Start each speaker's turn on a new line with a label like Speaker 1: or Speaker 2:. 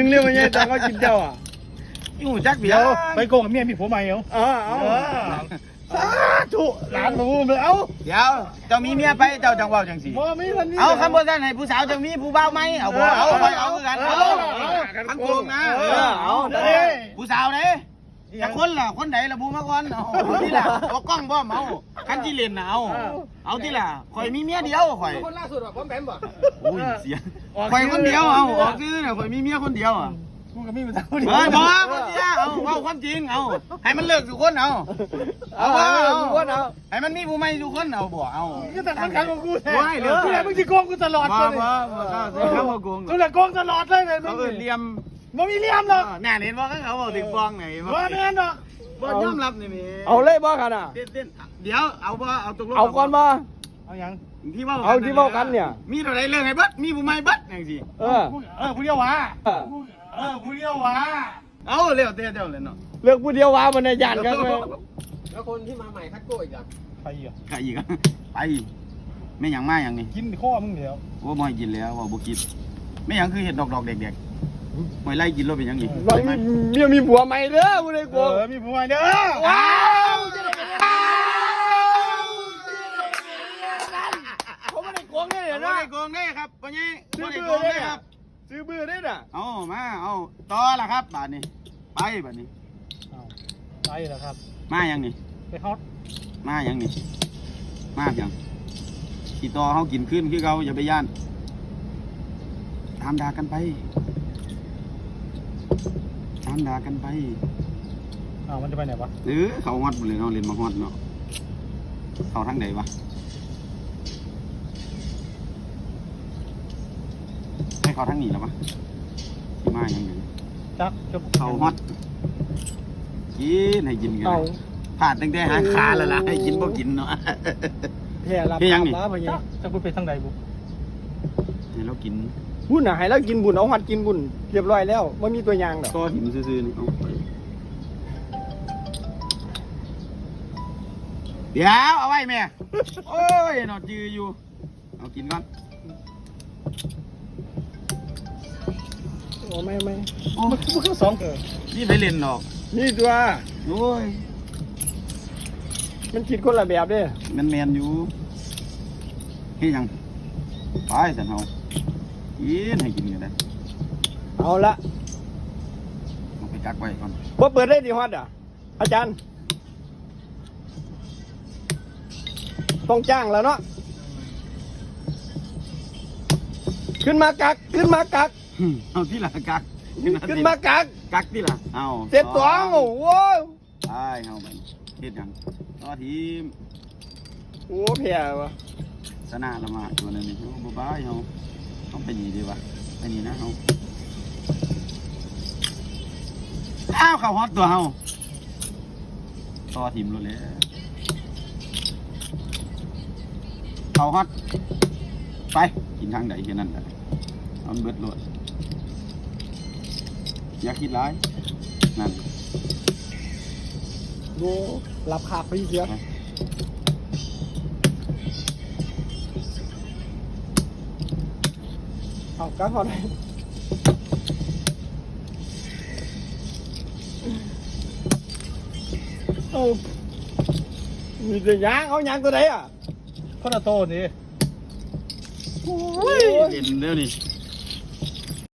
Speaker 1: เรื่องมันยังแต่เขากินเจ้าอ่ะ
Speaker 2: อยู่จักเดี
Speaker 3: เดี๋
Speaker 2: ย
Speaker 3: ยว วไปโกงกับเมียมีผัวใหม่เหรอ
Speaker 1: เอา
Speaker 3: สาธุหลานรู้เลยเอ้า
Speaker 2: เดี๋ยวเจ้ามีเมียไปเจ้าจังว่าจังสิ
Speaker 1: บ่มีวันนี้
Speaker 2: เอาคำพูดท่านให้ผู้สาวจะมีผู้บ่าวไหมเอาบ่เอาไปเอาคือกันเอาคันโกงนะผู้สาวเด้จะคนล่ะคนไหนล่ะบูมาก่อนเอาที่ล่ะเอากล้องบ่เอาคันที่เล่นน่ะเอาที่ล่ะข่อยมีเมียเดียวข่อย
Speaker 4: คนล่าสุดอ่ะผมแบมบ่
Speaker 2: โอ้ยเสียข่อยคนเดียวเอาออกซื้อน่ะข่อยมีเมียคนเดียวอ่ะ
Speaker 3: กูกับมีผู้สาวเดียว
Speaker 2: บ่คนเดียวเอาความจริงเอาให้มันเลิกทุกคนเอาให้มันมีผู้ใหม่ทุกคนเอาบ่เอา
Speaker 3: ก็แต่คนขังของกูแท้
Speaker 2: ว้ายเร็ว
Speaker 3: กูแหละมึงจะโกงกูตลอด
Speaker 2: บ่
Speaker 3: เลย
Speaker 2: เข้ามาโกง
Speaker 3: กูแหละโกงตลอดเลยเลย
Speaker 2: เขาเหลี่ยม
Speaker 3: มึงมีเหลี่ยมหรอก
Speaker 2: แน่เห็นว่าเขาบอกถึงฟองไหน
Speaker 3: ว่าแม่นหรอก
Speaker 2: บ่ยอมรับนี่มี
Speaker 1: เอาเลยบ่กันอ่ะ
Speaker 2: เต้นเดี๋ยวเอาบ่เอาตกลง
Speaker 1: เอาก่อนบ่
Speaker 3: เอาอย่าง
Speaker 2: ที่ว่า
Speaker 1: เอาที่เว้ากันเนี่ย
Speaker 2: มีเท่าไรเรื่องให้เบิดมีผู้ใหม่เบิดจังซี่
Speaker 3: ผู้เดียววะผู้เดียววะ
Speaker 2: เอาเร็วเต้เลยเนาะ
Speaker 1: เลือกผู้เดียวว่ามันในย่านกันเลย
Speaker 4: แล้วคนที่มาใหม่คัดโก้อีกอ่ะ
Speaker 3: ไปอ่ะ
Speaker 2: ใครอีกไปไม่หยังมาอย่างนี้
Speaker 3: กินข้อมึงเดียว
Speaker 2: โอ้บ่ให้กินแล้วว่าบ่กินไม่หยังคือเห็ดดอกๆเด็กๆหอยไล่กินแล้วเป็นหยังอีก
Speaker 1: ว่ามีผัวใหม่เด้อผู้ใดโกง
Speaker 3: มีผัวใหม่เด้อ
Speaker 1: ว้าว เขาไม่ได้โกงได้เหรอ
Speaker 2: บ่
Speaker 1: นะ
Speaker 2: ได้โกงได้ครับพ่อใหญ่บ่ได้โกงได้ครับ
Speaker 1: ซื้อบื้อได้น่ะ
Speaker 2: เอามาเอาต่อละครับบาดนี้ไปบาดนี้
Speaker 3: ไปแล้วครับ
Speaker 2: มาหยังนี่
Speaker 3: ไปฮอต
Speaker 2: มาหยังนี่มาหยังขี่ต่อเฮากินขึ้นคือเขาอย่าไปย่านตามด่ากันไปตามด่ากันไป
Speaker 3: มันจะไปไหนวะ
Speaker 2: หรือเขาฮอดหมดเลยเนาะเล่นมาฮอดเนาะเขาทางไหนวะให้เขาทางนี้แล้ววะมาหยังไง
Speaker 3: จัก
Speaker 2: เขาฮอตกินให้กินกัน
Speaker 1: เอา
Speaker 2: ผ่านตั้งแต่หาขาแล้วล่ะให้กินบ่กินเนาะ
Speaker 1: แพ้รับ
Speaker 2: เฮ้ยยังนี่
Speaker 1: มาไปยัง
Speaker 3: จะกูไปทางใดบุ
Speaker 2: ให้เรากิน
Speaker 1: บุญน่ะให้แล้วกินบุญเอาหัดกินบุญเรียบร้อยแล้วไม่มีตัวยางดอก
Speaker 2: ก็หิมซื่อๆนี่เอาไปเดี๋ยวเอาไว้แม่โอ้ยนอนจืออยู่เอากินก่อน
Speaker 1: โอ้ไม่
Speaker 2: โอ้
Speaker 3: มันคือสองเกิด
Speaker 2: นี่ไปเล่นดอก
Speaker 1: นี่ตัว
Speaker 2: โอ้ย
Speaker 1: มันคิดคนละแบบเด้
Speaker 2: มันแมนอยู่เฮ้ยยังไปสันเฮากินให้กินกันได้
Speaker 1: เอาละ
Speaker 2: เอาไปกักไว้ก่อน
Speaker 1: บ่เปิดได้ดีฮอดอ่ะ อาจารย์ ต้องจ้างแล้วเนาะขึ้นมากัก
Speaker 2: เอาที่ละกัก
Speaker 1: ขึ้นมากัก
Speaker 2: กักที่ละเอา
Speaker 1: เจ็ดตัวโอ้โห
Speaker 2: ไปเอาไปเฮ็ดหยังต่อทีม
Speaker 1: โอ้แพ้วะ
Speaker 2: ชนะละมาตัวนั้นนี่เฮาบ่บายเฮาต้องไปนี่ดีวะไปนี่นะเฮาอ้าวเข้าฮอตตัวเฮาต่อทีมโลดเลยเข้าฮอตไปกินทางใดแค่นั้นแหละเอามันเบิดโลดอย่าคิดร้ายนั่น
Speaker 1: ดูรับขาดไปเสียเอากักพอได้เอามีแต่ยางเอายางตัวไหนอ่ะ
Speaker 3: คนละโตนี่
Speaker 2: เห็นเดี๋ยวนี้